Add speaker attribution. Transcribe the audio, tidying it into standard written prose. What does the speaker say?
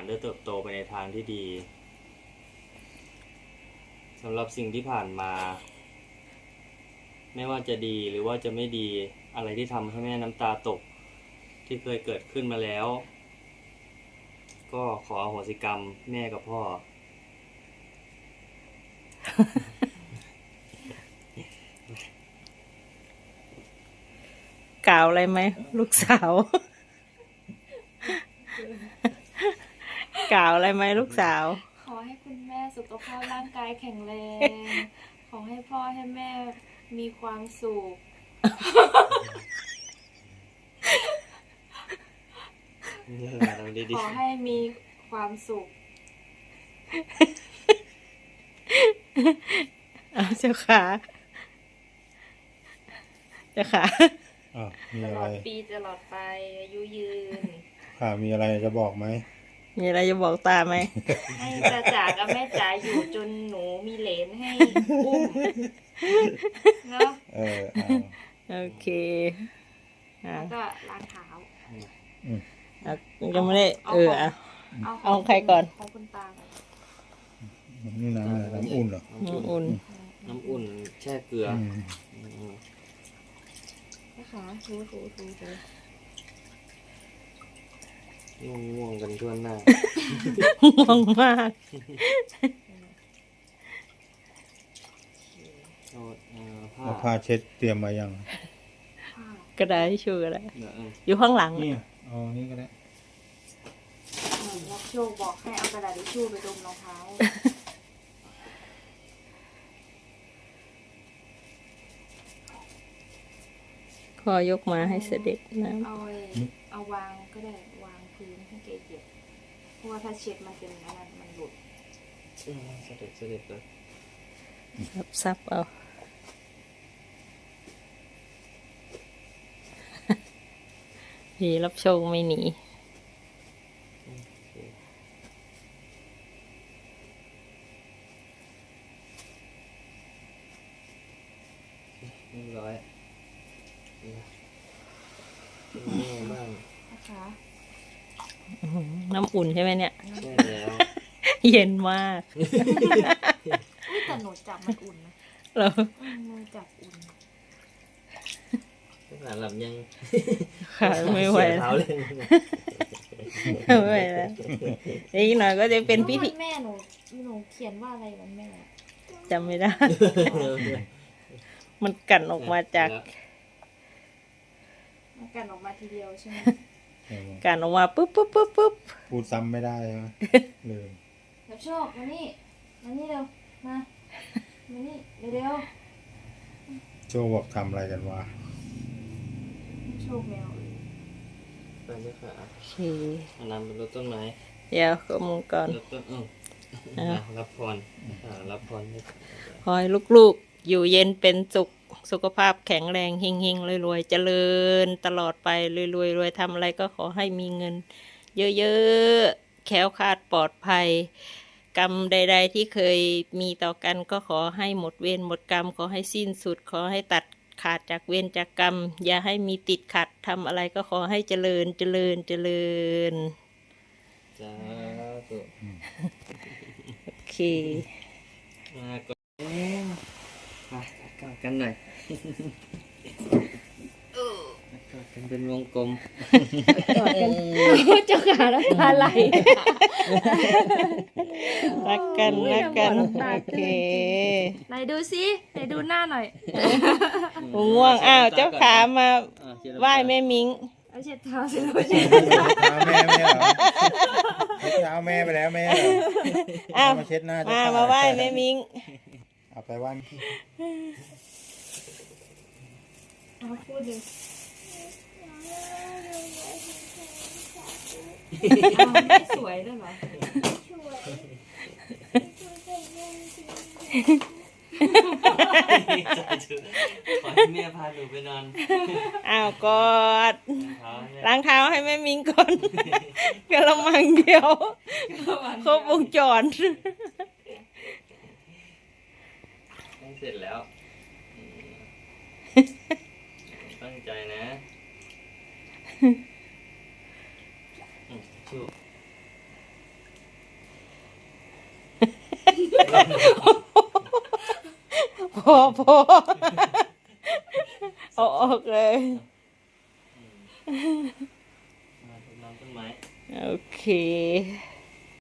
Speaker 1: ได้เติบโตไปในทางที่ดีสำหรับสิ่งที่ผ่านมา ไม่ว่าจะดีหรือว่าจะไม่ดีอะไรที่ทำให้แม่น้ำตาตกที่เคยเกิดขึ้นมาแล้ว ก็ขออโหสิกรรมแม่กับพ่อ
Speaker 2: กล่าวอะไรไหมลูกสาว กล่าวอะไรไหมลูกสาว
Speaker 3: ขอให้คุณแม่สุขภาพร่างกายแข็งแรง ขอให้พ่อให้แม่มีความสุข ขอให้มีความสุข
Speaker 2: เอาเจ้าขาเจ้าขา
Speaker 4: มี
Speaker 3: ต
Speaker 4: อะ
Speaker 3: ล
Speaker 4: ไร
Speaker 3: อดปีตลอดไปอายุยืน
Speaker 4: มีอะไรจะบอกไหม
Speaker 2: มีอะไรจะบอกตาไหม
Speaker 3: ให้ตาจ๋ากับแม่จ๋าอยู่จนหนูมีเหลนให้อุ้มเนาะ
Speaker 2: โอเคอ่ะ
Speaker 3: แล้วก็ล้างเท้า
Speaker 2: อ่ะยังไม่ได้อ่ะ เอาใครก่อน
Speaker 3: ของคุณตาก่อน
Speaker 4: นี่น้ำอะไรน้ำอุ่นเหรอ
Speaker 2: อุ่น
Speaker 1: น้ำอุ่นแช่เกลือ
Speaker 3: นะคะถู
Speaker 1: ง่วงๆกันทั่วหน้า
Speaker 2: ง่วงมาก
Speaker 1: เอาผ้า
Speaker 4: เอาผ้าเช็ดเตรียมมายัง
Speaker 3: ผ้าก
Speaker 2: ระดาษทิชชู่อะไร
Speaker 1: เดี๋ยว
Speaker 2: อยู่ข้างหลัง
Speaker 4: นี่เอานี่ก็ได้
Speaker 3: รับโชคบอกให้เอากระดาษทิชชู่ไปดมรองเท้า
Speaker 2: ขอยกมาให้เสด็จน้
Speaker 3: เอาวางก็ได้วางพื้นให้แกเหยียบเพราะว่าถ้าเช็ดมันเป็นอันนั้นมันหลุด
Speaker 1: เสด็จเลย
Speaker 2: ำซับเอา พี่รับโชคไม่หนี
Speaker 1: เรียบร้อยเป็นไงบ้าง
Speaker 3: นะคะ
Speaker 2: น้ำอุ่นใช่ไหมเนี่ย
Speaker 1: ใช่แล้ว
Speaker 2: เย็นมาก
Speaker 3: อุ๊ยแต่หนูจับมันอุ่นนะ
Speaker 2: เรา
Speaker 3: มือจับอุ่น
Speaker 1: หลับยัง
Speaker 2: ขาไม่ไหว
Speaker 1: เสีย
Speaker 2: แล้
Speaker 1: เท้าว เลย
Speaker 2: ไม่ไหวแล้วอีกหน่อยก็จะเป็นพิธี
Speaker 3: วันแม่หนูเขียนว่าอะไรวันแม่
Speaker 2: จำไม่ได้ มันกั่นออกมาจาก
Speaker 3: มันกันออกมาทีเดียวใช่ไหม
Speaker 2: กั่นออกมาปุ๊บปุ๊บปุ๊บปุ๊บ
Speaker 4: พูดซ้ำไม่ได้ใช่ไหมลืม
Speaker 3: รับโชคมานี่เร็วมานี่เร็ว
Speaker 4: โจบอกทำอะไรกันวะ
Speaker 3: โชคแมว
Speaker 1: ไปด้วยค่ะ
Speaker 2: โอเค
Speaker 1: เอาน้ำเป็นรดต้นไม้
Speaker 2: เดี๋ยวขโมยก่อน
Speaker 1: รดต้นรับพรรับพรให้
Speaker 2: ขอให้ลูกๆ อยู่เย็นเป็นสุข สุขภาพแข็งแรงเฮงๆรวยๆเจริญตลอดไปรวยๆทำอะไรก็ขอให้มีเงิน เยอะๆแคล้วคลาดปลอดภัย กรรมใด ๆ ที่เคยมีต่อกันก็ขอให้หมดเวรหมดกรรมขอให้สิ้นสุด ขอให้ตัดขาดจากเวรจากกรรม อย่าให้มีติดขัดทำอะไรก็ขอให้เจริญ
Speaker 1: จ้าตุ
Speaker 2: โอเค
Speaker 1: มาก่อนมากอดกันหน่อยกอดกันเป็นวงกลม
Speaker 3: เจ้าขาแล้วตาไหล
Speaker 2: รักกันรักกันโอเค
Speaker 3: ไหนดูซิไหนดูหน้าหน่อย
Speaker 2: ง่วงอ้าวเจ้าขามาไหว้แม่มิง
Speaker 3: เอาเช็ดเท้าสิลูกเช็ด
Speaker 4: เท้าแม่ไม่เหรอเช็ดเท้าแม่ไปแล้วแม่เหรอ
Speaker 2: อ้าว
Speaker 4: มาเช็ดหน้าเจ้
Speaker 2: มาไหว้แม่มิง
Speaker 4: เอาไปไหว้
Speaker 3: เอาพูดดิไม่สวยด้วยเหรอ
Speaker 1: ขอให้แม่พาหนูไปนอน
Speaker 2: อ้าวกอด
Speaker 1: เท้าเนี่ย
Speaker 2: ล้างเท้าให้แม่มิงก่อนกระมังเดียวครบวงจร
Speaker 1: เสร็จแล้วตั้งใจนะชู
Speaker 2: พอเอาออกเลย
Speaker 1: มาต้นน้ำต้นไม้
Speaker 2: โอเค